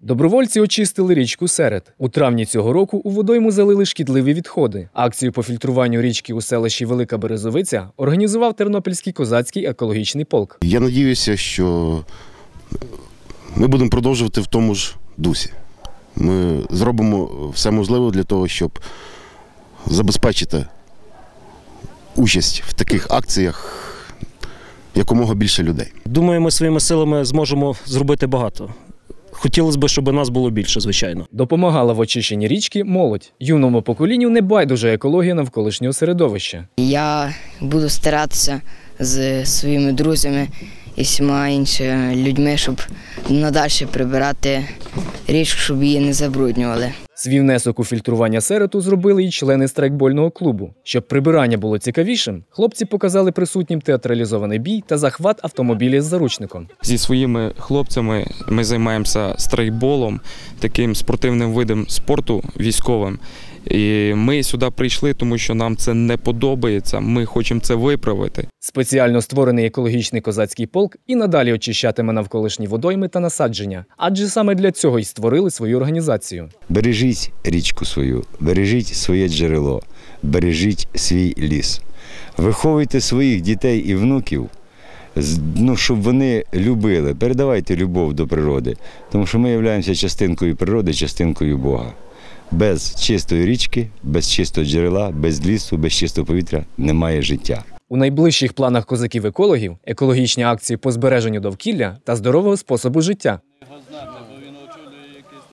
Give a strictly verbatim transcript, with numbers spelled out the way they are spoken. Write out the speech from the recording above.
Добровольці очистили річку Серед. У травні цього року у водойму залили шкідливі відходи. Акцію по фільтруванню річки у селищі Велика Березовиця організував Тернопільський козацький екологічний полк. Я сподіваюся, що ми будемо продовжувати в тому ж дусі. Ми зробимо все можливе для того, щоб забезпечити участь в таких акціях якомога більше людей. Думаю, ми своїми силами зможемо зробити багато. Хотілося б, щоб нас було більше, звичайно. Допомагала в очищенні річки молодь. Юному поколінню не байдуже екологія навколишнього середовища. Я буду старатися з своїми друзями і всіма іншими людьми, щоб надальше прибирати річку, щоб її не забруднювали. Свій внесок у фільтрування Середу зробили і члени страйкбольного клубу. Щоб прибирання було цікавішим, хлопці показали присутнім театралізований бій та захват автомобіля з заручником. Зі своїми хлопцями ми займаємося страйкболом, таким спортивним видом спорту військовим. І ми сюди прийшли, тому що нам це не подобається, ми хочемо це виправити. Спеціально створений екологічний козацький полк і надалі очищатиме навколишні водойми та насадження. Адже саме для цього й створили свою організацію. Бережіть річку свою, бережіть своє джерело, бережіть свій ліс. Виховуйте своїх дітей і внуків, ну, щоб вони любили, передавайте любов до природи, тому що ми являємося частинкою природи, частинкою Бога. Без чистої річки, без чистого джерела, без лісу, без чистого повітря немає життя. У найближчих планах козаків-екологів екологічні акції по збереженню довкілля та здорового способу життя.